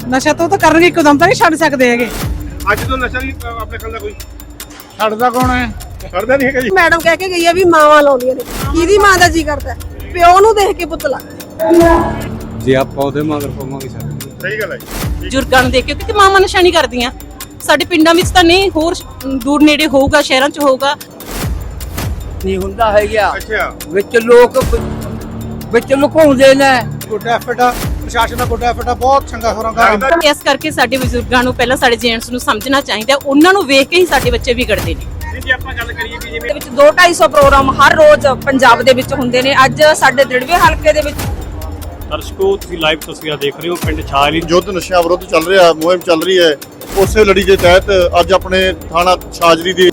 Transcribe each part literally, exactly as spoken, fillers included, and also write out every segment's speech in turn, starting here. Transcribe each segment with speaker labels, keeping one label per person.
Speaker 1: ਨਸ਼ਾ ਤੋਂ ਤਾਂ ਕਰਨਗੇ, ਇੱਕਦਮ ਤਾਂ ਨਹੀਂ ਛੱਡ ਸਕਦੇ ਹੈਗੇ।
Speaker 2: ਅੱਜ ਤੋਂ ਨਸ਼ਾ ਨਹੀਂ ਆਪਣੇ ਕੋਲ ਦਾ ਕੋਈ
Speaker 3: ਛੱਡਦਾ ਕੌਣ ਹੈ?
Speaker 2: ਛੱਡਦਾ ਨਹੀਂ ਹੈਗਾ ਜੀ।
Speaker 4: ਮੈਡਮ ਕਹਿ ਕੇ ਗਈ ਆ ਵੀ ਮਾਵਾਂ ਲਾਉਂਦੀਆਂ ਨੇ, ਕਿਹਦੀ ਮਾਂ ਦਾ ਜੀ ਕਰਦਾ ਪਿਓ ਨੂੰ ਦੇਖ ਕੇ ਪੁੱਤ ਲੱਗਦਾ।
Speaker 5: ਜੇ ਆਪਾਂ ਉਹਦੇ ਮਗਰ ਪਵਾਂਗੇ ਸਾਡੇ
Speaker 2: ਸਹੀ ਗੱਲ ਹੈ ਜੀ।
Speaker 6: ਬਜ਼ੁਰਗਾਂ ਨੂੰ ਦੇਖ ਕੇ, ਕਿਉਂਕਿ ਮਾਵਾਂ ਨਸ਼ਾ ਨਹੀਂ ਕਰਦੀਆਂ। ਸਾਡੇ ਪਿੰਡਾਂ ਵਿੱਚ ਤਾਂ ਨਹੀਂ, ਹੋਰ ਦੂਰ ਨੇੜੇ ਹੋਊਗਾ, ਸ਼ਹਿਰਾਂ 'ਚ ਹੋਊਗਾ।
Speaker 7: ਨਹੀਂ ਹੁੰਦਾ ਹੈ ਗਿਆ
Speaker 2: ਅੱਛਾ,
Speaker 7: ਵਿੱਚ ਲੋਕ ਵਿੱਚ ਲੁਕਾਉਂਦੇ ਨੇ।
Speaker 3: ਗੁੱਡ ਐਫਰਟ ਆ ਪ੍ਰਸ਼ਾਸਨ ਦਾ, ਗੁੱਡ ਐਫਰਟ ਆ, ਬਹੁਤ ਚੰਗਾ ਹੋਰਾਂ ਦਾ।
Speaker 6: ਇਸ ਕਰਕੇ ਸਾਡੇ ਬਜ਼ੁਰਗਾਂ ਨੂੰ, ਪਹਿਲਾਂ ਸਾਡੇ ਜੈਂਟਸ ਨੂੰ ਸਮਝਣਾ ਚਾਹੀਦਾ। ਉਹਨਾਂ ਨੂੰ ਵੇਖ ਕੇ ਹੀ ਸਾਡੇ ਬੱਚੇ ਵਿਗੜਦੇ ਨੇ।
Speaker 2: ਜੇ ਆਪਾਂ ਗੱਲ ਕਰੀਏ ਕਿ ਜਿਵੇਂ
Speaker 8: ਦੇ ਵਿੱਚ ਦੋ ਢਾਈ ਸੌ ਪ੍ਰੋਗਰਾਮ ਹਰ ਰੋਜ਼ ਪੰਜਾਬ ਦੇ ਵਿੱਚ ਹੁੰਦੇ ਨੇ। ਅੱਜ ਸਾਡੇ ਦੜਵੇ ਹਲਕੇ ਦੇ ਵਿੱਚ
Speaker 9: ਦਰਸ਼ਕੋ, ਤੁਸੀਂ ਲਾਈਵ ਤਸਵੀਰਾਂ ਦੇਖ ਰਹੇ ਹੋ ਪਿੰਡ ਛਾਜਲੀ।
Speaker 10: ਯੁੱਧ ਨਸ਼ਿਆਂ ਵਿਰੁੱਧ ਚੱਲ ਰਿਹਾ, ਮੁਹਿੰਮ ਚੱਲ ਰਹੀ ਹੈ। ਉਸੇ ਲੜੀ ਦੇ ਤਹਿਤ ਅੱਜ ਆਪਣੇ ਥਾਣਾ ਛਾਜਲੀ ਦੇ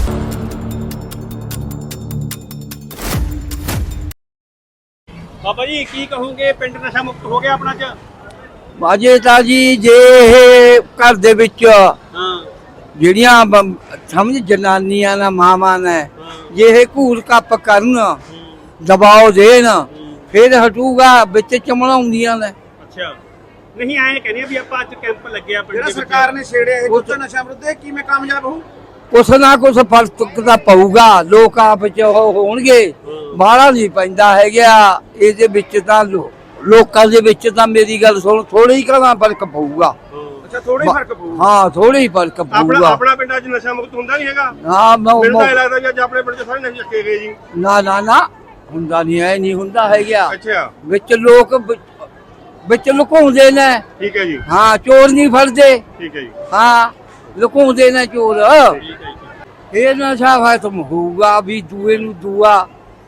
Speaker 2: ਬਾਬਾ ਜੀ ਕੀ ਕਹੋਗੇ, ਪਿੰਡ ਨਸ਼ਾ ਮੁਕਤ ਹੋ ਗਿਆ ਆਪਣਾ ਚ?
Speaker 7: ਬਾਜੇ ਤਾਂ ਜੀ ਜੇ ਇਹ ਘਰ ਦੇ ਵਿੱਚ
Speaker 2: ਹਾਂ,
Speaker 7: ਜਿਹੜੀਆਂ ਬ- ਸਮਝ ਜਨਾਨੀਆਂ ਨਾ ਮਾਵਾਂ ਨੇ ਜੇ ਇਹ ਘੂਰ ਕੱਪ ਕਰਨ, ਦਬਾਅ ਦੇਣ, ਫਿਰ ਹਟੂਗਾ। ਵਿੱਚ ਚਮਲਾਉਂਦੀਆਂ ਨੇ।
Speaker 2: ਅੱਛਾ, ਨਹੀਂ ਐਂ ਕਹਿੰਦੇ ਆ ਵੀ ਆਪਾਂ ਅੱਜ ਕੈਂਪ ਲੱਗਿਆ ਪਿੰਡ
Speaker 3: ਜਿਹੜਾ
Speaker 2: ਦੇ ਵਿੱਚ।
Speaker 3: ਸਰਕਾਰ ਨੇ ਛੇੜਿਆ ਇਹ ਗੁੱਟ ਨਸ਼ਾ ਵਿਰੁੱਧ, ਇਹ ਕਿਵੇਂ ਕਾਮਯਾਬ ਹੋਊ?
Speaker 7: ਕੁਛ ਨਾ ਕੁਛ ਫਰਕ ਤਾਂ ਪਊਗਾ। ਲੋਕ ਆਪ ਚ ਉਹ ਹੋਣਗੇ, ਬਾਹਲਾ ਨਹੀਂ ਪੈਂਦਾ ਹੈਗਾ। ਇਹਦੇ ਵਿੱਚ ਤਾਂ ਲੋ- ਲੋਕਾਂ ਦੇ ਵਿੱਚ ਤਾਂ ਮੇਰੀ ਗੱਲ ਸੁਣ, ਥੋੜਾ ਹੀ ਕਰਾਂ ਫਰਕ ਪਊਗਾ।
Speaker 3: ਅੱਛਾ, ਥੋੜਾ ਹੀ ਫਰਕ ਪਊ।
Speaker 7: ਹਾਂ, ਥੋੜਾ ਹੀ ਫਰਕ
Speaker 2: ਆਪਣਾ
Speaker 7: ਪਊਗਾ।
Speaker 2: ਆਪਣਾ ਪਿੰਡ ਅੱਜ ਨਸ਼ਾ ਮੁਕਤ ਹੁੰਦਾ ਨਹੀਂ ਹੈਗਾ।
Speaker 7: ਹਾਂ, ਮੈਂ-
Speaker 2: ਮੈਨੂੰ ਤਾਂ ਇਹ
Speaker 7: ਮੈਂ-
Speaker 2: ਲੱਗਦਾ ਵੀ ਅੱਜ ਆਪਣੇ ਪਿੰਡ ਚ ਸਾਰੇ ਨਸ਼ੇ ਚੱਕੇ ਗਏ ਜੀ।
Speaker 7: ਨਾ ਨਾ ਨਾ ਹੁੰਦਾ ਨਹੀਂ ਹੈ, ਨਹੀਂ ਹੁੰਦਾ ਹੈਗਾ।
Speaker 2: ਅੱਛਾ,
Speaker 7: ਵਿੱਚ ਲੋਕ ਵਿ- ਵਿੱਚ ਲੁਕਾਉਂਦੇ ਨੇ।
Speaker 2: ਠੀਕ ਹੈ ਜੀ,
Speaker 7: ਹਾਂ, ਚੋਰ ਨਹੀਂ ਫੜਦੇ।
Speaker 2: ਠੀਕ ਹੈ ਜੀ,
Speaker 7: ਹਾਂ, ਲੁਕਾਉਂਦੇ ਨੇ ਚੋਰ।
Speaker 2: ਠੀਕ ਹੈ ਜੀ।
Speaker 7: ਇਹ ਨਸ਼ਾ ਖਤਮ ਹੋਊਗਾ ਵੀ ਦੂਏ ਨੂੰ ਦੂਆ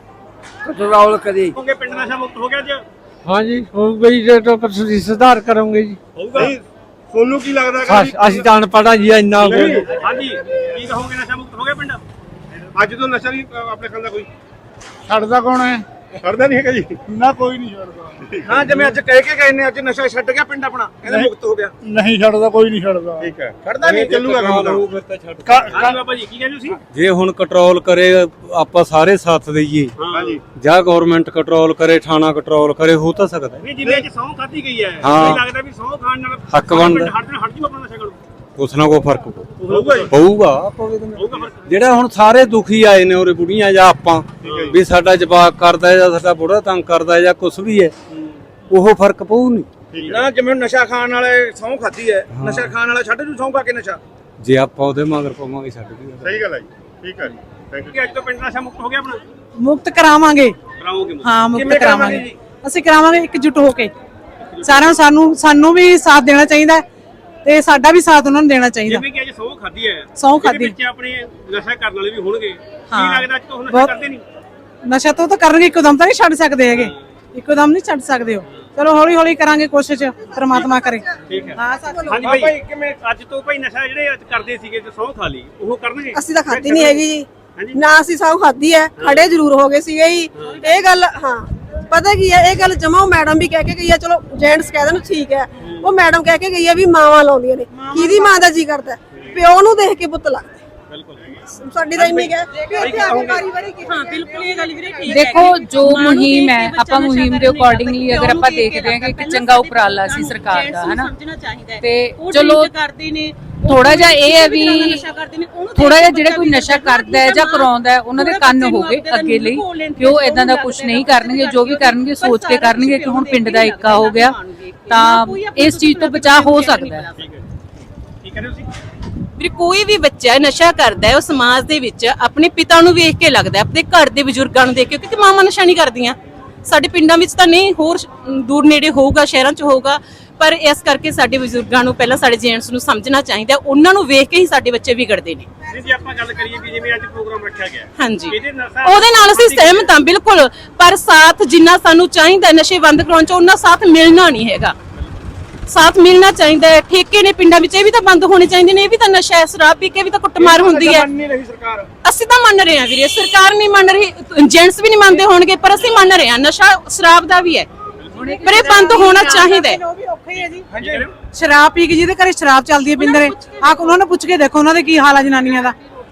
Speaker 7: ਕੰਟਰੋਲ ਕਰੇ।
Speaker 2: ਕਹੋਗੇ ਪਿੰਡ ਨਸ਼ਾ ਮੁਕਤ ਹੋ ਗਿਆ ਅੱਜ?
Speaker 3: ਹਾਂਜੀ, ਹੋ ਗਈ ਜੇ ਤਾਂ ਤੁਸੀਂ ਸੁਧਾਰ ਕਰੋਗੇ ਜੀ।
Speaker 2: ਹੋਊਗਾ। ਨਹੀਂ, ਤੁਹਾਨੂੰ ਕੀ ਲੱਗਦਾ ਹੈਗਾ ਵੀ-
Speaker 3: ਅਸੀਂ ਤਾਂ ਅਨਪੜ੍ਹ ਜੀ, ਇੰਨਾ
Speaker 2: ਨਹੀਂ, ਹਾਂਜੀ ਕੀ ਕਹੋਗੇ, ਨਸ਼ਾ ਮੁਕਤ ਹੋ ਗਿਆ ਪਿੰਡ ਅੱਜ ਤੋਂ? ਨਸ਼ਾ ਨਹੀਂ ਆਪਣੇ ਕੋਲ ਦਾ ਕੋਈ
Speaker 3: ਛੱਡਦਾ ਕੌਣ ਹੈ?
Speaker 2: ਛੱਡਦਾ ਨਹੀਂ ਹੈਗਾ ਜੀ।
Speaker 3: ਨਾ ਕੋਈ ਨਹੀਂ ਛੱਡਦਾ। ਹਾਂ, ਜਿਵੇਂ ਅੱਜ ਕਹਿ ਕੇ ਗਏ ਨੇ ਅੱਜ ਨਸ਼ਾ ਛੱਡ ਗਿਆ ਪਿੰਡ ਆਪਣਾ, ਕਹਿੰਦੇ ਮੁਕਤ ਹੋ ਗਿਆ। ਨਹੀਂ ਛੱਡਦਾ, ਕੋਈ ਨਹੀਂ ਛੱਡਦਾ।
Speaker 2: ਠੀਕ ਹੈ,
Speaker 3: ਛੱਡਦਾ ਨਹੀਂ,
Speaker 2: ਚੱਲੂਗਾ ਕੰਮ ਦਾ। ਹਾਂਜੀ ਬਾਬਾ ਜੀ ਕੀ ਕਹਿੰਦੇ ਤੁਸੀਂ?
Speaker 5: ਜੇ ਹੁਣ ਕੰਟਰੋਲ ਕਰੇ, ਆਪਾਂ ਸਾਰੇ ਸਾਥ ਦੇਈਏ
Speaker 2: ਹਾਂਜੀ,
Speaker 5: ਜਾਂ ਗਵਰਨਮੈਂਟ ਕੰਟਰੋਲ ਕਰੇ, ਥਾਣਾ ਕੰਟਰੋਲ ਕਰੇ, ਹੋ ਤਾਂ ਸਕਦਾ।
Speaker 2: ਨਹੀਂ ਜਿਵੇਂ ਅੱਜ ਸਹੁੰ ਖਾਧੀ ਗਈ ਹੈ,
Speaker 5: ਹਾਂ।
Speaker 2: ਮੈਨੂੰ ਲੱਗਦਾ ਵੀ ਸਹੁੰ ਖਾਣ ਨਾਲ
Speaker 5: ਹੱਕ ਬਣਦਾ।
Speaker 2: ਹਟ ਜਾਣਾ, ਹਟ ਜੂ ਆਪਣਾ ਨਸ਼ਾ ਕਰੋ।
Speaker 5: ਕੁਛ ਨਾ ਕੋਈ ਫਰਕ ਪਊ।
Speaker 2: ਹੋਊਗਾ ਜੀ,
Speaker 5: ਪਊਗਾ।
Speaker 2: ਹੋਊਗਾ ਫਰਕ।
Speaker 5: ਜਿਹੜਾ ਹੁਣ ਸਾਰੇ ਦੁਖੀ ਆਏ ਨੇ ਉਰੇ ਬੁੜੀਆਂ ਜਾਂ ਆਪਾਂ ਵੀ ਸਾਡਾ ਜਵਾਕ ਕਰਦਾ ਜਾਂ ਸਾਡਾ ਬੁੜਾ ਤੰਗ ਕਰਦਾ ਜਾਂ ਕੁਛ ਵੀ ਹੈ, ਉਹ ਫਰਕ ਪਊ ਨਹੀਂ।
Speaker 3: ਨਾ ਜਿਵੇਂ ਨਸ਼ਾ ਖਾਣ ਵਾਲੇ ਸਹੁੰ ਖਾਧੀ ਹੈ, ਨਸ਼ਾ ਖਾਣ ਵਾਲਾ ਛੱਡ ਜੂ ਸਹੁੰ ਖਾ ਕੇ ਨਸ਼ਾ।
Speaker 5: ਜੇ ਆਪਾਂ ਉਹਦੇ ਮਗਰ ਪਵਾਂਗੇ ਸਾਡੇ
Speaker 2: ਸਹੀ ਗੱਲ ਹੈ ਜੀ, ਠੀਕ ਹੈ ਜੀ, ਥੈਂਕ ਯੂ। ਅੱਜ ਤੋਂ ਪਿੰਡ ਨਸ਼ਾ ਮੁਕਤ ਹੋ ਗਿਆ ਆਪਣਾ?
Speaker 1: ਮੁਕਤ ਕਰਾਵਾਂਗੇ।
Speaker 2: ਕਰਾਓਗੇ ਮੁਕਤ?
Speaker 1: ਹਾਂ, ਮੁਕਤ
Speaker 3: ਕਿਵੇਂ ਕਰਾਵਾਂਗੇ
Speaker 1: ਕਰਾਵਾਂਗੇ। ਅਸੀਂ ਕਰਾਵਾਂਗੇ ਇਕਜੁੱਟ ਹੋ ਕੇ। ਸਾਰਿਆਂ ਸਾਨੂੰ ਸਾਨੂੰ ਵੀ ਸਾਥ ਦੇਣਾ ਚਾਹੀਦਾ ਤੇ ਸਾਡਾ ਵੀ ਸਾਥ ਉਹਨਾਂ ਨੂੰ ਦੇਣਾ ਚਾਹੀਦਾ।
Speaker 2: ਜਿਵੇਂ ਕਿ ਅੱਜ ਸਹੁੰ ਖਾਧੀ ਹੈ,
Speaker 1: ਸਹੁੰ ਖਾਧੀ।
Speaker 2: ਵਿੱਚ ਆਪਣੇ ਨਸ਼ਾ ਕਰਨ ਵਾਲੇ ਵੀ ਹੋਣਗੇ।
Speaker 1: ਹਾਂ।
Speaker 2: ਕੀ ਲੱਗਦਾ ਅੱਜ ਤੋਂ ਨਸ਼ਾ
Speaker 1: ਬਹੁਤ-
Speaker 2: ਕਰਦੇ ਨਹੀਂ?
Speaker 1: ਨਸ਼ਾ ਤੋਂ ਤਾਂ ਕਰਨਗੇ, ਇੱਕਦਮ ਤਾਂ ਨਹੀਂ ਛੱਡ ਸਕਦੇ ਹੈਗੇ। ਇੱਕਦਮ ਨਹੀਂ ਛੱਡ ਸਕਦੇ ਹੋ। ਚਲੋ ਹੌਲੀ ਹੌਲੀ ਕਰਾਂਗੇ ਕੋਸ਼ਿਸ਼, ਪ੍ਰਮਾਤਮਾ ਕਰੇ।
Speaker 2: ਠੀਕ ਹੈ।
Speaker 1: ਹਾਂ ਸੱਚ।
Speaker 2: ਹਾਂਜੀ ਭਾਈ, ਕਿਵੇਂ ਅੱਜ ਤੋਂ ਭਾਈ ਨਸ਼ਾ ਜਿਹੜੇ ਅੱਜ ਕਰਦੇ ਸੀਗੇ ਤੇ ਸਹੁੰ ਖਾ ਲਈ, ਉਹ ਕਰਨਗੇ?
Speaker 4: ਅਸੀਂ ਤਾਂ ਖਾਧੀ ਨਹੀਂ ਹੈਗੀ ਜੀ,
Speaker 2: ਹਾਂਜੀ।
Speaker 4: ਨਾ ਅਸੀਂ ਸਹੁੰ ਖਾਧੀ ਹੈ, ਖੜੇ ਜ਼ਰੂਰ ਹੋ ਗਏ ਸੀਗੇ ਜੀ। ਇਹ ਗੱਲ ਹਾਂ, ਪਤਾ ਕੀ ਹੈ, ਇਹ ਗੱਲ ਜਮਾ ਉਹ ਮੈਡਮ ਵੀ ਕਹਿ ਕੇ ਗਈ ਹੈ। ਚਲੋ ਜੈਂਟਸ ਕਹਿ ਦੇਣ ਠੀਕ ਹੈ, ਉਹ ਮੈਡਮ ਕਹਿ ਕੇ ਗਈ ਹੈ ਵੀ ਮਾਵਾਂ ਲਾਉਂਦੀਆਂ ਨੇ, ਕਿਹਦੀ ਮਾਂ ਦਾ ਜੀ ਕਰਦਾ ਪਿਓ ਨੂੰ ਦੇਖ ਕੇ ਪੁੱਤ ਲੱਗਦਾ।
Speaker 2: ਬਿਲਕੁਲ।
Speaker 4: ਸਾਡੀ ਤਾਂ ਇੰਨੀ ਹੈ ਵੀ ਇੱਥੇ ਆ ਕੇ ਵਾਰੀ ਵਾਰੀ ਕੀ
Speaker 6: ਹਾਂ, ਬਿਲਕੁਲ ਇਹ ਗੱਲ ਵੀਰੇ ਠੀਕ ਹੈ।
Speaker 11: ਦੇਖੋ, ਜੋ ਮੁਹਿੰਮ ਹੈ ਆਪਾਂ ਮੁਹਿੰਮ ਦੇ ਅਕੋਰਡਿੰਗਲੀ ਅਗਰ ਆਪਾਂ ਦੇਖਦੇ ਹਾਂ ਕਿ ਇੱਕ ਚੰਗਾ ਉਪਰਾਲਾ ਸੀ ਸਰਕਾਰ ਦਾ, ਹਨਾ,
Speaker 6: ਸਮਝਣਾ ਚਾਹੀਦਾ ਹੈ।
Speaker 11: ਤੇ
Speaker 6: ਉਹ
Speaker 11: ਚਲੋ
Speaker 6: drink ਕਰਦੇ ਨੇ,
Speaker 11: ਥੋੜਾ ਜਿਹਾ ਇਹ ਹੈ ਵੀ
Speaker 6: ਨਸ਼ਾ ਕਰਦੇ ਨੇ, ਉਹਨੂੰ
Speaker 11: ਥੋੜਾ ਜਿਹਾ ਜਿਹੜੇ ਕੋਈ ਨਸ਼ਾ ਕਰਦਾ ਹੈ ਜਾਂ ਕਰਾਉਂਦਾ ਹੈ ਉਹਨਾਂ ਦੇ ਕੰਨ ਹੋਵੇ ਅੱਗੇ ਲਈ ਕਿ ਉਹ ਇਦਾਂ ਦਾ ਕੁਝ ਨਹੀਂ ਕਰਨਗੇ। ਜੋ ਵੀ ਕਰਨਗੇ ਸੋਚ ਕੇ ਕਰਨਗੇ ਕਿ ਹੁਣ ਪਿੰਡ ਦਾ ਏਕਾ ਹੋ ਗਿਆ ਤਾਂ ਇਸ ਚੀਜ਼ ਤੋਂ ਬਚਾਅ ਹੋ ਸਕਦਾ ਹੈ।
Speaker 2: ਕੀ ਕਹਿੰਦੇ ਤੁਸੀਂ?
Speaker 6: ਵੀਰੇ ਕੋਈ ਵੀ ਬੱਚਾ ਨਸ਼ਾ ਕਰਦਾ ਹੈ, ਉਹ ਸਮਾਜ ਦੇ ਵਿੱਚ ਆਪਣੇ ਪਿਤਾ ਨੂੰ ਵੇਖ ਕੇ ਲੱਗਦਾ, ਆਪਣੇ ਘਰ ਦੇ ਬਜ਼ੁਰਗਾਂ ਨੂੰ ਦੇਖ ਕੇ, ਕਿਉਂਕਿ ਮਾਵਾਂ ਨਸ਼ਾ ਨਹੀਂ ਕਰਦੀਆਂ। ਸਾਡੇ ਪਿੰਡਾਂ ਵਿੱਚ ਤਾਂ ਨਹੀਂ, ਹੋਰ ਦੂਰ ਨੇੜੇ ਹੋਊਗਾ, ਸ਼ਹਿਰਾਂ 'ਚ ਹੋਊਗਾ। ਪਰ ਇਸ ਕਰਕੇ ਸਾਡੇ ਬਜ਼ੁਰਗਾਂ ਨੂੰ, ਪਹਿਲਾਂ ਸਾਡੇ ਜੈਂਟਸ ਨੂੰ ਸਮਝਣਾ ਚਾਹੀਦਾ। ਉਹਨਾਂ ਨੂੰ ਵੇਖ ਕੇ ਹੀ ਸਾਡੇ ਬੱਚੇ ਵਿਗੜਦੇ ਨੇ।
Speaker 2: ਨਹੀਂ ਜੇ ਆਪਾਂ ਗੱਲ ਕਰੀਏ ਕਿ ਜਿਵੇਂ ਅੱਜ ਪ੍ਰੋਗਰਾਮ ਰੱਖਿਆ ਗਿਆ,
Speaker 6: ਹਾਂਜੀ,
Speaker 2: ਇਹਦੇ ਨਸ਼ਾ
Speaker 6: ਉਹਦੇ ਨਾਲ ਅਸੀਂ ਸਹਿਮਤ ਹਾਂ ਬਿਲਕੁਲ। ਪਰ ਸਾਥ ਜਿੰਨਾ ਸਾਨੂੰ ਚਾਹੀਦਾ ਨਸ਼ੇ ਬੰਦ ਕਰਾਉਣ 'ਚ, ਉਹਨਾਂ ਸਾਥ ਮਿਲਣਾ ਨਹੀਂ ਹੈਗਾ। ਸਾਥ ਮਿਲਣਾ ਚਾਹੀਦਾ ਹੈ। ਠੇਕੇ ਨੇ ਪਿੰਡਾਂ ਵਿੱਚ, ਇਹ ਵੀ ਤਾਂ ਬੰਦ ਹੋਣੇ ਚਾਹੀਦੇ ਨੇ। ਇਹ ਵੀ ਤਾਂ ਨਸ਼ਾ ਹੈ, ਸ਼ਰਾਬ ਪੀ ਕੇ ਵੀ ਤਾਂ ਕੁੱਟਮਾਰ ਹੁੰਦੀ ਹੈ।
Speaker 3: ਨਹੀਂ ਰਹੀ ਸਰਕਾਰ।
Speaker 6: ਅਸੀਂ ਤਾਂ ਮੰਨ ਰਹੇ ਹਾਂ ਵੀਰੇ, ਸਰਕਾਰ ਨਹੀਂ ਮੰਨ ਰਹੀ, ਜੈਂਟਸ ਵੀ ਨਹੀਂ ਮੰਨਦੇ ਹੋਣਗੇ, ਪਰ ਅਸੀਂ ਮੰਨ ਰਹੇ ਹਾਂ। ਨਸ਼ਾ ਸ਼ਰਾਬ ਦਾ ਵੀ ਹੈ, ਪਰ ਇਹ ਬੰਦ ਹੋਣਾ ਚਾਹੀਦਾ ਹੈ।
Speaker 1: ਉਹ ਵੀ ਔਖਾ ਹੀ ਹੈ ਜੀ। ਸ਼ਰਾਬ ਪੀ ਕੇ ਜਿਹਦੇ ਘਰੇ ਸ਼ਰਾਬ ਚੱਲਦੀ ਹੈ ਪਿੰਦਰੇ, ਆ ਉਹਨਾਂ ਨੂੰ ਪੁੱਛ ਕੇ ਦੇਖੋ ਉਹਨਾਂ ਦੇ ਕੀ ਹਾਲ ਆ ਜਨਾਨੀਆਂ ਦਾ।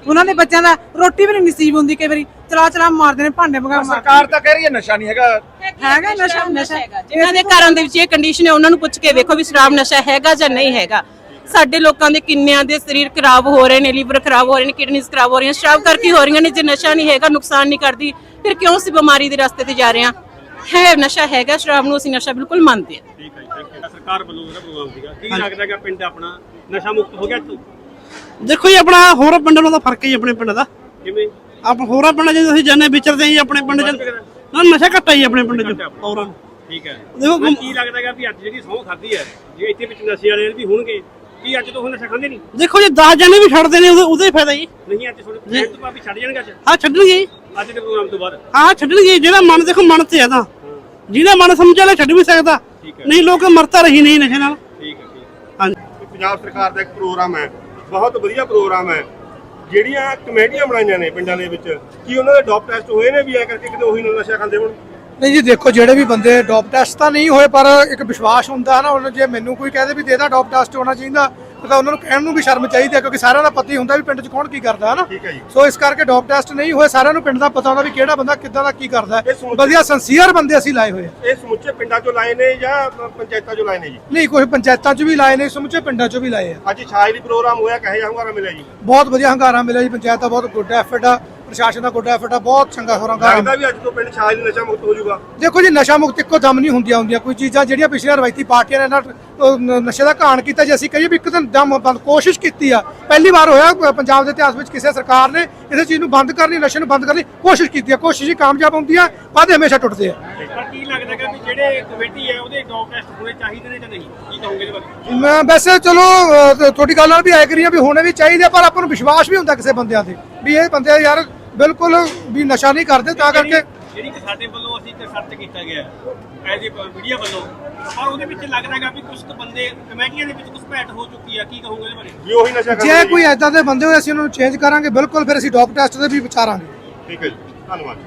Speaker 1: ਉਹਨਾਂ ਦੇ ਬੱਚਿਆਂ ਦਾ ਰੋਟੀ ਵੀ ਨਹੀਂ ਨਸੀਬ ਹੁੰਦੀ, ਕਈ ਵਾਰੀ ਚਲਾ ਚਲਾ ਮਾਰਦੇ ਨੇ, ਭਾਂਡੇ ਵਗਾ
Speaker 3: ਸਰਕਾਰ ਤਾਂ ਕਹਿ ਰਹੀ ਹੈ ਨਸ਼ਾ ਨਹੀਂ ਹੈਗਾ।
Speaker 1: ਹੈਗਾ ਨਸ਼ਾ, ਨਸ਼ਾ
Speaker 6: ਜਿਨ੍ਹਾਂ ਦੇ ਘਰਾਂ ਦੇ ਵਿੱਚ ਇਹ ਕੰਡੀਸ਼ਨ ਹੈ ਉਹਨਾਂ ਨੂੰ ਪੁੱਛ ਕੇ ਵੇਖੋ ਵੀ ਸ਼ਰਾਬ ਨਸ਼ਾ ਹੈਗਾ ਜਾਂ ਨਹੀਂ ਹੈਗਾ। ਸਾਡੇ ਲੋਕਾਂ ਦੇ ਕਿੰਨਿਆਂ ਦੇ ਸਰੀਰ ਖਰਾਬ ਹੋ ਰਹੇ ਨੇ, ਲੀਵਰ ਖਰਾਬ ਹੋ ਰਹੇ ਨੇ, ਕਿਡਨੀਜ਼ ਖਰਾਬ ਹੋ ਰਹੀਆਂ, ਸ਼ਰਾਬ ਕਰਕੇ ਹੋ ਰਹੀਆਂ ਨੇ। ਜੇ ਨਸ਼ਾ ਨਹੀਂ ਹੈਗਾ, ਨੁਕਸਾਨ ਨਹੀਂ ਕਰਦੀ, ਫਿਰ ਕਿਉਂ ਅਸੀਂ ਬਿਮਾਰੀ ਦੇ ਰਸਤੇ ਤੇ ਜਾ ਰਹੇ ਹਾਂ? ਹੈ ਨਸ਼ਾ ਹੈਗਾ, ਸ਼ਰਾਬ ਨੂੰ ਅਸੀਂ ਨਸ਼ਾ ਬਿਲਕੁਲ ਮੰਨਦੇ ਹਾਂ।
Speaker 9: ਠੀਕ ਹੈ ਜੀ, ਥੈਂਕ ਯੂ। ਸਰਕਾਰ ਵੱਲੋਂ ਜਿਹੜਾ ਪ੍ਰੋਗਰਾਮ ਸੀਗਾ, ਕੀ ਲੱਗਦਾ ਕਿ ਪਿੰਡ ਆਪਣਾ ਨਸ਼ਾ ਮੁਕਤ ਹੋ ਗਿਆ? ਤੂੰ
Speaker 2: ਦੇਖੋ ਜੀ, ਆਪਣਾ ਹੋਰਾਂ ਪਿੰਡਾਂ ਨਾਲੋਂ ਤਾਂ ਫਰਕ ਹੀ ਆਪਣੇ ਪਿੰਡ ਦਾ।
Speaker 9: ਕਿਵੇਂ?
Speaker 2: ਆਪ ਹੋਰਾਂ ਪਿੰਡਾਂ 'ਚ ਅਸੀਂ ਜਾਂਦੇ ਵਿਚਰਦੇ ਹਾਂ ਜੀ, ਆਪਣੇ ਪਿੰਡ 'ਚ ਨਾ ਨਸ਼ਾ ਘੱਟ ਹੀ ਆਪਣੇ ਪਿੰਡ 'ਚ ਹੋਰਾਂ।
Speaker 9: ਠੀਕ ਹੈ।
Speaker 2: ਦੇਖੋ
Speaker 9: ਕੀ ਲੱਗਦਾ ਹੈ ਵੀ ਅੱਜ ਜਿਹੜੀ ਸਹੁੰ ਖਾਧੀ ਹੈ, ਜੇ ਇੱਥੇ ਵਿੱਚ ਨਸ਼ੇ ਵਾਲੇ ਵੀ ਹੋਣਗੇ, ਕੀ ਅੱਜ ਤੋਂ ਉਹ ਨਸ਼ਾ ਖਾਂਦੇ ਨਹੀਂ?
Speaker 2: ਦੇਖੋ ਜੀ, ਦਸ ਜਣੇ ਵੀ ਛੱਡਦੇ ਨੇ, ਉਹਦਾ ਉਹਦਾ ਹੀ ਫਾਇਦਾ ਜੀ।
Speaker 9: ਨਹੀਂ ਅੱਜ ਥੋੜੇ ਟਾਈਮ ਤੋਂ ਬਾਅਦ ਵੀ ਛੱਡ ਜਾਣਗੇ ਅੱਜ?
Speaker 2: ਹਾਂ ਛੱਡਣਗੇ ਜੀ,
Speaker 9: ਅੱਜ ਦੇ ਪ੍ਰੋਗਰਾਮ ਤੋਂ ਬਾਅਦ
Speaker 2: ਹਾਂ ਛੱਡਣਗੇ। ਜਿਹੜਾ ਮਨ ਦੇਖੋ ਮਨ ਤੇ ਹੈ ਤਾਂ ਜਿਹਦਾ ਮਨ ਸਮਝ ਲੈ ਛੱਡ ਵੀ ਸਕਦਾ, ਨਹੀਂ ਲੋਕ ਮਰਤਾ ਰਹੀ ਨਹੀਂ ਨਸ਼ੇ ਨਾਲ।
Speaker 9: ਠੀਕ ਹੈ, ਠੀਕ।
Speaker 2: ਹਾਂਜੀ, ਪੰਜਾਬ ਸਰਕਾਰ ਦਾ ਇੱਕ ਪ੍ਰੋਗਰਾਮ ਹੈ, ਬਹੁਤ ਵਧੀਆ ਪ੍ਰੋਗਰਾਮ ਹੈ। ਜਿਹੜੀਆਂ ਕਮੇਟੀਆਂ ਬਣਾਈਆਂ ਨੇ ਪਿੰਡਾਂ ਦੇ ਵਿੱਚ, ਕੀ ਉਹਨਾਂ ਦੇ ਡੋਪ ਟੈਸਟ ਹੋਏ ਨੇ ਵੀ ਐ ਕਰਕੇ ਕਿਤੇ ਉਹੀ ਨਸ਼ਾ ਖਾਂਦੇ ਹੋਣ?
Speaker 3: ਨਹੀਂ ਜੀ, ਦੇਖੋ ਜਿਹੜੇ ਵੀ ਬੰਦੇ ਡੋਪ ਟੈਸਟ ਤਾਂ ਨਹੀਂ ਹੋਏ, ਪਰ ਇੱਕ ਵਿਸ਼ਵਾਸ ਹੁੰਦਾ ਨਾ। ਉਹਨਾਂ ਜੇ ਮੈਨੂੰ ਕੋਈ ਕਹਦੇ ਵੀ ਦੇਦਾ ਡੋਪ ਟੈਸਟ ਹੋਣਾ ਚਾਹੀਦਾ, ਤਾਂ ਉਹਨਾਂ ਨੂੰ ਕਹਿਣ ਨੂੰ ਵੀ ਸ਼ਰਮ ਚਾਹੀਦੀ ਹੈ, ਕਿਉਂਕਿ ਸਾਰਿਆਂ ਦਾ ਪਤਾ ਹੀ ਹੁੰਦਾ ਵੀ ਪਿੰਡ 'ਚ ਕੌਣ ਕੀ ਕਰਦਾ ਹੈ ਨਾ।
Speaker 2: ਠੀਕ ਹੈ ਜੀ।
Speaker 3: ਸੋ ਇਸ ਕਰਕੇ ਡੋਪ ਟੈਸਟ ਨਹੀਂ ਹੋਏ, ਸਾਰਿਆਂ ਨੂੰ ਪਿੰਡ ਦਾ ਪਤਾ ਹੁੰਦਾ ਵੀ ਕਿਹੜਾ ਬੰਦਾ ਕਿੱਦਾਂ ਦਾ ਕੀ ਕਰਦਾ ਹੈ। ਵਧੀਆ ਸੰਸੀਅਰ ਬੰਦੇ ਅਸੀਂ ਲਾਏ ਹੋਏ ਆ।
Speaker 2: ਇਹ ਸਮੁੱਚੇ ਪਿੰਡਾਂ 'ਚੋਂ ਲਾਏ ਨੇ ਜਾਂ ਪੰਚਾਇਤਾਂ 'ਚੋਂ ਲਾਏ ਨੇ ਜੀ?
Speaker 3: ਨਹੀਂ, ਕੋਈ ਪੰਚਾਇਤਾਂ 'ਚ ਵੀ ਲਾਏ ਨੇ, ਸਮੁੱਚੇ ਪਿੰਡਾਂ 'ਚ ਵੀ ਲਾਏ ਆ।
Speaker 2: ਅੱਜ ਛਾਜਲੀ ਪ੍ਰੋਗਰਾਮ ਹੋਇਆ, ਕਹੇ ਹੰਗਾਰਾ ਮਿਲਿਆ ਜੀ?
Speaker 3: ਬਹੁਤ ਵਧੀਆ ਹੰਗਾਰਾ ਮਿਲਿਆ ਜੀ। ਪੰਚਾਇਤ ਦਾ ਬਹੁਤ ਗੁੱਡ ਐਫਰਟ ਆ, ਪ੍ਰਸ਼ਾਸਨ ਦਾ ਗੁੱਡ ਐਫਰਟ ਆ, ਬਹੁਤ ਚੰਗਾ ਹੋਰਾਂ ਹੰਗਾਰਾ।
Speaker 2: ਲੱਗਦਾ ਵੀ ਅੱਜ ਤੋਂ ਪਿੰਡ ਛਾਜਲੀ ਨਸ਼ਾ ਮੁਕਤ ਹੋ ਜਾਊਗਾ?
Speaker 3: ਦੇਖੋ ਜੀ, ਨਸ਼ਾ ਮੁਕਤ ਇੱਕੋ ਦਮ ਨਹੀਂ ਹੁੰਦੀਆਂ ਹੁੰਦੀਆਂ। ਕੋਈ ਚੀਜ਼ਾਂ ਜਿਹੜੀਆਂ ਪਿਛਲੀਆਂ ਰਵਾਇਤੀ ਪਾਰਟੀਆਂ ਨੇ ਨਾ ਉਹ ਨ- ਨਸ਼ੇ ਦਾ ਘਾਣ ਕੀਤਾ, ਜੇ ਅਸੀਂ ਕਹੀਏ ਵੀ ਇੱਕ ਦਿਨ ਦਮ ਬੰਦ ਕੋਸ਼ਿਸ਼ ਕੀਤੀ ਆ, ਪਹਿਲੀ ਵਾਰ ਹੋਇਆ ਪ- ਪੰਜਾਬ ਦੇ ਇਤਿਹਾਸ ਵਿੱਚ ਕਿਸੇ ਸਰਕਾਰ ਨੇ ਕਿਸੇ ਚੀਜ਼ ਨੂੰ ਬੰਦ ਕਰਨੀ, ਨਸ਼ੇ ਨੂੰ ਬੰਦ ਕਰਨੀ ਕੋਸ਼ਿਸ਼ ਕੀਤੀ ਆ। ਕੋਸ਼ਿਸ਼ ਹੀ ਕਾਮਯਾਬ ਹੁੰਦੀ ਆ, ਵਾਅਦੇ ਹਮੇਸ਼ਾ ਟੁੱਟਦੇ ਆ।
Speaker 9: ਪਰ ਕੀ ਲੱਗਦਾ ਕਿ ਵੀ ਜਿਹੜੇ ਕਮੇਟੀ ਹੈ ਉਹਦੇ ਡੋਪ ਟੈਸਟ ਹੋਣੇ ਚਾਹੀਦੇ ਨੇ ਜਾਂ ਨਹੀਂ? ਕੀ ਕਹੋਗੇ ਇਹਦੇ ਬਾਰੇ?
Speaker 3: ਮੈਂ ਵੈਸੇ ਚਲੋ ਅ, ਤ- ਤੁਹਾਡੀ ਗੱਲ ਨਾਲ ਵੀ ਐਗਰੀ ਆ ਵੀ ਹੋਣੇ ਵੀ ਚਾਹੀਦੇ ਆ, ਪਰ ਆਪਾਂ ਨੂੰ ਵਿਸ਼ਵਾਸ ਵੀ ਹੁੰਦਾ ਕਿਸੇ ਬੰਦਿਆਂ ਤੇ ਵੀ ਇਹ ਬੰਦੇ ਯਾਰ ਬਿਲਕੁਲ ਵੀ ਨਸ਼ਾ ਨਹੀਂ ਕਰਦੇ, ਤਾਂ ਕਰਕੇ
Speaker 9: ਜਿਹੜੀ ਕਿ ਸਾਡੇ ਵੱਲੋਂ ਅਸੀਂ ਸਰਚ ਕੀਤਾ ਗਿਆ ਐਜ਼ ਏ ਮੀਡੀਆ ਵੱਲੋਂ, ਪਰ ਉਹਦੇ ਵਿੱਚ ਲੱਗਦਾ ਹੈਗਾ ਵੀ ਕੁਝ ਬੰਦੇ ਕਮੇਟੀਆਂ ਦੇ ਵਿੱਚ ਕੁਝ ਭੈਟ ਹੋ ਚੁੱਕੀ ਆ। ਕੀ ਕਹੋਗੇ ਇਹਦੇ ਬਾਰੇ?
Speaker 2: ਵੀ ਉਹੀ ਨਸ਼ਾ ਕਰਦੇ
Speaker 3: ਜੇ
Speaker 2: ਨੇ
Speaker 3: ਕੋਈ ਐਦਾਂ ਦੇ ਬੰਦੇ ਹੋਏ ਅਸੀਂ ਉਹਨਾਂ ਨੂੰ ਚੇਂਜ ਕਰਾਂਗੇ ਬਿਲਕੁਲ, ਫਿਰ ਅਸੀਂ ਡੋਪ ਟੈਸਟ ਦੇ ਵੀ ਵਿਚਾਰਾਂਗੇ।
Speaker 2: ਠੀਕ ਹੈ ਜੀ, ਧੰਨਵਾਦ।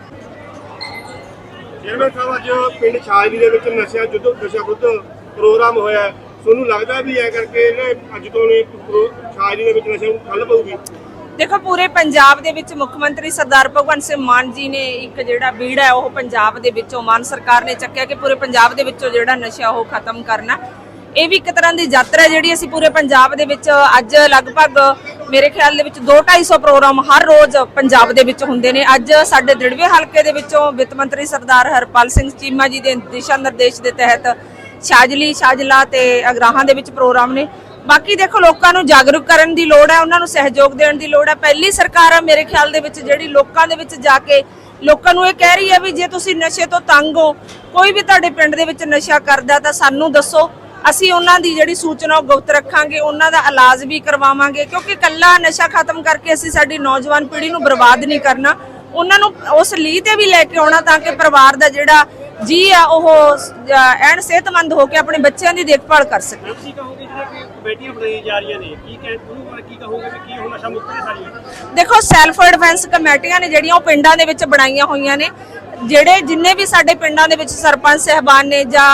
Speaker 2: ਚੇਅਰਮੈਨ ਸਾਹਿਬ, ਅੱਜ ਪਿੰਡ ਛਾਜਲੀ ਦੇ ਵਿੱਚ ਨਸ਼ਾ ਯੁੱਧ ਨਸ਼ਾ ਵਿਰੁੱਧ ਪ੍ਰੋਗਰਾਮ ਹੋਇਆ, ਤੁਹਾਨੂੰ ਲੱਗਦਾ ਵੀ ਐ ਕਰਕੇ ਇਹਨੇ ਅੱਜ ਤੋਂ ਨੇ ਛਾਜਲੀ ਦੇ ਵਿੱਚ ਨਸ਼ੇ ਨੂੰ ਠੱਲ ਪਊਗੀ?
Speaker 8: ਦੇਖੋ, ਪੂਰੇ ਪੰਜਾਬ ਦੇ ਵਿੱਚ ਮੁੱਖ ਮੰਤਰੀ ਸਰਦਾਰ ਭਗਵੰਤ ਸਿੰਘ ਮਾਨ ਜੀ ਨੇ ਇੱਕ ਜਿਹੜਾ ਬੀੜਾ ਹੈ ਉਹ ਪੰਜਾਬ ਦੇ ਵਿੱਚੋਂ ਮਾਨ ਸਰਕਾਰ ਨੇ ਚੱਕਿਆ ਕਿ ਪੂਰੇ ਪੰਜਾਬ ਦੇ ਵਿੱਚੋਂ ਜਿਹੜਾ ਨਸ਼ਾ ਉਹ ਖਤਮ ਕਰਨਾ। ਇਹ ਵੀ ਇੱਕ ਤਰ੍ਹਾਂ ਦੀ ਯਾਤਰਾ ਜਿਹੜੀ ਅਸੀਂ ਪੂਰੇ ਪੰਜਾਬ ਦੇ ਵਿੱਚ ਅੱਜ ਲਗਭਗ ਮੇਰੇ ਖਿਆਲ ਦੇ ਵਿੱਚ ਦੋ ਢਾਈ ਸੌ ਪ੍ਰੋਗਰਾਮ ਹਰ ਰੋਜ਼ ਪੰਜਾਬ ਦੇ ਵਿੱਚ ਹੁੰਦੇ ਨੇ। ਅੱਜ ਸਾਡੇ ਦ੍ਰਿੜਵੇ ਹਲਕੇ ਦੇ ਵਿੱਚੋਂ ਵਿੱਤ ਮੰਤਰੀ ਸਰਦਾਰ ਹਰਪਾਲ ਸਿੰਘ ਚੀਮਾ ਜੀ ਦੇ ਦਿਸ਼ਾ ਨਿਰਦੇਸ਼ ਦੇ ਤਹਿਤ ਛਾਜਲੀ, ਛਾਜਲਾ ਤੇ ਅਗਰਾਹਾਂ ਦੇ ਵਿੱਚ ਪ੍ਰੋਗਰਾਮ ਨੇ। ਬਾਕੀ ਦੇਖੋ, ਲੋਕਾਂ ਨੂੰ ਜਾਗਰੂਕ ਕਰਨ ਦੀ ਲੋੜ ਹੈ, ਉਹਨਾਂ ਨੂੰ ਸਹਿਯੋਗ ਦੇਣ ਦੀ ਲੋੜ ਹੈ। ਪਹਿਲੀ ਸਰਕਾਰ ਆ ਮੇਰੇ ਖਿਆਲ ਦੇ ਵਿੱਚ ਜਿਹੜੀ ਲੋਕਾਂ ਦੇ ਵਿੱਚ ਜਾ ਕੇ ਲੋਕਾਂ ਨੂੰ ਇਹ ਕਹਿ ਰਹੀ ਹੈ ਵੀ ਜੇ ਤੁਸੀਂ ਨਸ਼ੇ ਤੋਂ ਤੰਗ ਹੋ, ਕੋਈ ਵੀ ਤੁਹਾਡੇ ਪਿੰਡ ਦੇ ਵਿੱਚ ਨਸ਼ਾ ਕਰਦਾ ਤਾਂ ਸਾਨੂੰ ਦੱਸੋ, ਅਸੀਂ ਉਹਨਾਂ ਦੀ ਜਿਹੜੀ ਸੂਚਨਾ ਉਹ ਗੁਪਤ ਰੱਖਾਂਗੇ, ਉਹਨਾਂ ਦਾ ਇਲਾਜ ਵੀ ਕਰਵਾਵਾਂਗੇ। ਕਿਉਂਕਿ ਕੱਲਾ ਨਸ਼ਾ ਖਤਮ ਕਰਕੇ ਅਸੀਂ ਸਾਡੀ ਨੌਜਵਾਨ ਪੀੜ੍ਹੀ ਨੂੰ ਬਰਬਾਦ ਨਹੀਂ ਕਰਨਾ, ਉਹਨਾਂ ਨੂੰ ਉਸ ਲੀਹ ਤੇ ਵੀ ਲੈ ਕੇ ਆਉਣਾ ਤਾਂ ਕਿ ਪਰਿਵਾਰ ਦਾ ਜਿਹੜਾ ਜੀ ਆ ਉਹ ਐਨ ਸਿਹਤਮੰਦ ਹੋ ਕੇ ਆਪਣੇ ਬੱਚਿਆਂ ਦੀ ਦੇਖਭਾਲ ਕਰ ਸਕੇ।
Speaker 9: ਕੀ ਕਹੋਗੇ ਜਿਹੜੇ ਕਿ ਕਮੇਟੀਆਂ ਬਣਾਈਆਂ ਜਾ ਰਹੀਆਂ ਨੇ, ਕੀ ਕਹਿ ਉਹਨੂੰ ਬਾਰੇ ਕੀ ਕਹੋਗੇ ਵੀ ਕੀ ਹੁਣ ਨਸ਼ਾ ਮੁਕਤ ਨੇ ਸਾਰੀਆਂ?
Speaker 8: ਦੇਖੋ, ਸੈਲਫ ਡਿਫੈਂਸ ਕਮੇਟੀਆਂ ਨੇ ਜਿਹੜੀਆਂ ਉਹ ਪਿੰਡਾਂ ਦੇ ਵਿੱਚ ਬਣਾਈਆਂ ਹੋਈਆਂ ਨੇ। ਜਿਹੜੇ ਜਿੰਨੇ ਵੀ ਸਾਡੇ ਪਿੰਡਾਂ ਦੇ ਵਿੱਚ ਸਰਪੰਚ ਸਹਿਬਾਨ ਨੇ ਜਾਂ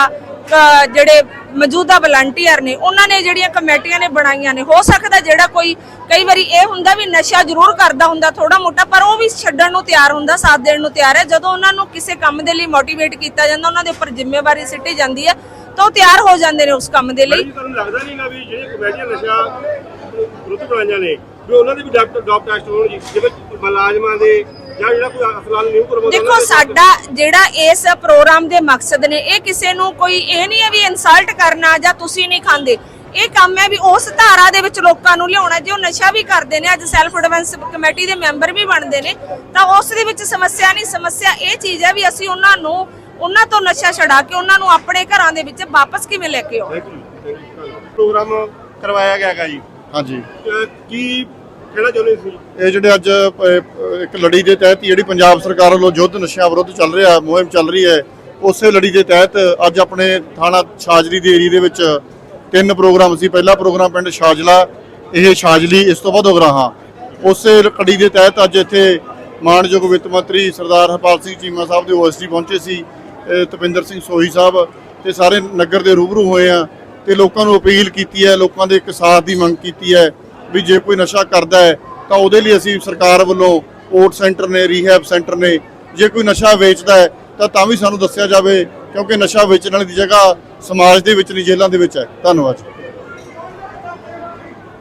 Speaker 8: ਜਿਹੜੇ ਮੌਜੂਦਾ ਵਲੰਟੀਅਰ ਨੇ, ਉਹਨਾਂ ਨੇ ਜਿਹੜੀਆਂ ਕਮੇਟੀਆਂ ਨੇ ਬਣਾਈਆਂ ਨੇ, ਹੋ ਸਕਦਾ ਜਿਹੜਾ ਕੋਈ ਕਈ ਵਾਰੀ ਇਹ ਹੁੰਦਾ ਵੀ ਨਸ਼ਾ ਜ਼ਰੂਰ ਕਰਦਾ ਹੁੰਦਾ ਥੋੜਾ ਮੋਟਾ, ਪਰ ਉਹ ਵੀ ਛੱਡਣ ਨੂੰ ਤਿਆਰ ਹੁੰਦਾ, ਸਾਥ ਦੇਣ ਨੂੰ ਤਿਆਰ ਹੈ। ਜਦੋਂ ਉਹਨਾਂ ਨੂੰ ਕਿਸੇ ਕੰਮ ਦੇ ਲਈ ਮੋਟੀਵੇਟ ਕੀਤਾ ਜਾਂਦਾ, ਉਹਨਾਂ ਦੇ ਉੱਪਰ ਜ਼ਿੰਮੇਵਾਰੀ ਸਿੱਟੀ ਜਾਂਦੀ ਹੈ, ਤਾਂ ਉਹ ਤਿਆਰ ਹੋ ਜਾਂਦੇ ਨੇ ਉਸ ਕੰਮ ਦੇ ਲਈ।
Speaker 2: ਤੁਹਾਨੂੰ ਲੱਗਦਾ ਨਹੀਂਗਾ ਵੀ ਜਿਹੜੇ ਕਮੇਟੀਆਂ ਨਸ਼ਾ ਵਿਰੁੱਧ ਬਣਾਈਆਂ ਨੇ ਵੀ ਉਹਨਾਂ ਦੇ ਵੀ ਡਾਪ ਟੈਸਟ ਹੋਣ ਜੀ, ਜਿਵੇਂ ਮੁਲਾਜ਼ਮਾਂ ਦੇ ਜਾਂ ਜਿਹੜਾ ਕੋਈ ਅਸਲਾਲ ਨਿਊ ਕਰਵਾਉਂਦਾ?
Speaker 8: ਦੇਖੋ, ਸਾਡਾ ਜਿਹੜਾ ਇਸ ਪ੍ਰੋਗਰਾਮ ਦੇ ਮਕਸਦ ਨੇ, ਇਹ ਕਿਸੇ ਨੂੰ ਕੋਈ ਇਹ ਨਹੀਂ ਹੈ ਵੀ ਇਨਸਲਟ ਕਰਨਾ ਜਾਂ ਤੁਸੀਂ ਨਹੀਂ ਖਾਂਦੇ। ਇਹ ਕੰਮ ਹੈ ਵੀ ਉਸ ਧਾਰਾ ਦੇ ਵਿੱਚ ਲੋਕਾਂ ਨੂੰ ਲਿਆਉਣਾ। ਜੇ ਉਹ ਨਸ਼ਾ ਵੀ ਕਰਦੇ ਨੇ, ਅੱਜ ਸੈਲਫ ਡਿਫੈਂਸ ਕਮੇਟੀ ਦੇ ਮੈਂਬਰ ਵੀ ਬਣਦੇ ਨੇ, ਤਾਂ ਉਸ ਦੇ ਵਿੱਚ ਸਮੱਸਿਆ ਨਹੀਂ। ਸਮੱਸਿਆ ਇਹ ਚੀਜ਼ ਹੈ ਵੀ ਅਸੀਂ ਉਹਨਾਂ ਨੂੰ ਉਹਨਾਂ ਤੋਂ ਨਸ਼ਾ ਛਡਾ ਕੇ ਉਹਨਾਂ ਨੂੰ ਆਪਣੇ ਘਰਾਂ ਦੇ ਵਿੱਚ ਵਾਪਸ ਕਿਵੇਂ ਲੈ ਕੇ ਆਉਣਾ।
Speaker 2: ਪ੍ਰੋਗਰਾਮ ਕਰਵਾਇਆ ਗਿਆ ਹੈਗਾ ਜੀ।
Speaker 10: ਹਾਂਜੀ,
Speaker 2: ਕੀ ਕਹਿਣਾ ਚਾਹੁੰਦੇ ਸੀ?
Speaker 10: ਇਹ ਜਿਹੜੇ ਅੱਜ ਅ, ਇੱਕ ਲੜੀ ਦੇ ਤਹਿਤ ਜਿਹੜੀ ਪੰਜਾਬ ਸਰਕਾਰ ਵੱਲੋਂ ਯੁੱਧ ਨਸ਼ਿਆਂ ਵਿਰੁੱਧ ਚੱਲ ਰਿਹਾ, ਮੁਹਿੰਮ ਚੱਲ ਰਹੀ ਹੈ, ਉਸੇ ਲੜੀ ਦੇ ਤਹਿਤ ਅੱਜ ਆਪਣੇ ਥਾਣਾ ਛਾਜਲੀ ਦੇ ਏਰੀਏ ਦੇ ਵਿੱਚ ਤਿੰਨ ਪ੍ਰੋਗਰਾਮ ਸੀ। ਪਹਿਲਾ ਪ੍ਰੋਗਰਾਮ ਪਿੰਡ ਛਾਜਲਾ, ਇਹ ਛਾਜਲੀ, ਇਸ ਤੋਂ ਬਾਅਦ ਉਗਰਾਹਾਂ। ਉਸੇ ਕੜੀ ਦੇ ਤਹਿਤ ਅੱਜ ਇੱਥੇ ਮਾਨਯੋਗ ਵਿੱਤ ਮੰਤਰੀ ਸਰਦਾਰ ਹਰਪਾਲ ਸਿੰਘ ਚੀਮਾ ਸਾਹਿਬ ਦੇ ਓਐਸਡੀ ਪਹੁੰਚੇ ਸੀ, ਤਪਿੰਦਰ ਸਿੰਘ ਸੋਹੀ ਸਾਹਿਬ ਤੇ ਸਾਰੇ ਨਗਰ ਦੇ ਰੂਬਰੂ ਹੋਏ ਆ ਤੇ ਲੋਕਾਂ ਨੂੰ ਅਪੀਲ ਕੀਤੀ ਹੈ, ਲੋਕਾਂ ਦੇ ਇੱਕ ਸਾਥ ਦੀ ਮੰਗ ਕੀਤੀ ਹੈ ਵੀ ਜੇ ਕੋਈ ਨਸ਼ਾ ਕਰਦਾ ਹੈ ਤਾਂ ਉਹਦੇ ਲਈ ਅਸੀਂ ਸਰਕਾਰ ਵੱਲੋਂ ਓਟ ਸੈਂਟਰ ਨੇ, ਰੀਹੈਬ ਸੈਂਟਰ ਨੇ, ਜੇ ਕੋਈ ਨਸ਼ਾ ਵੇਚਦਾ ਹੈ ਤਾਂ ਤਾਂ ਵੀ ਸਾਨੂੰ ਦੱਸਿਆ ਜਾਵੇ, ਕਿਉਂਕਿ ਨਸ਼ਾ ਵੇਚਣ ਵਾਲੀ ਦੀ ਜਗ੍ਹਾ ਸਮਾਜ ਦੇ ਵਿੱਚ ਨਹੀਂ, ਜੇਲ੍ਹਾਂ ਦੇ ਵਿੱਚ ਹੈ। ਧੰਨਵਾਦ।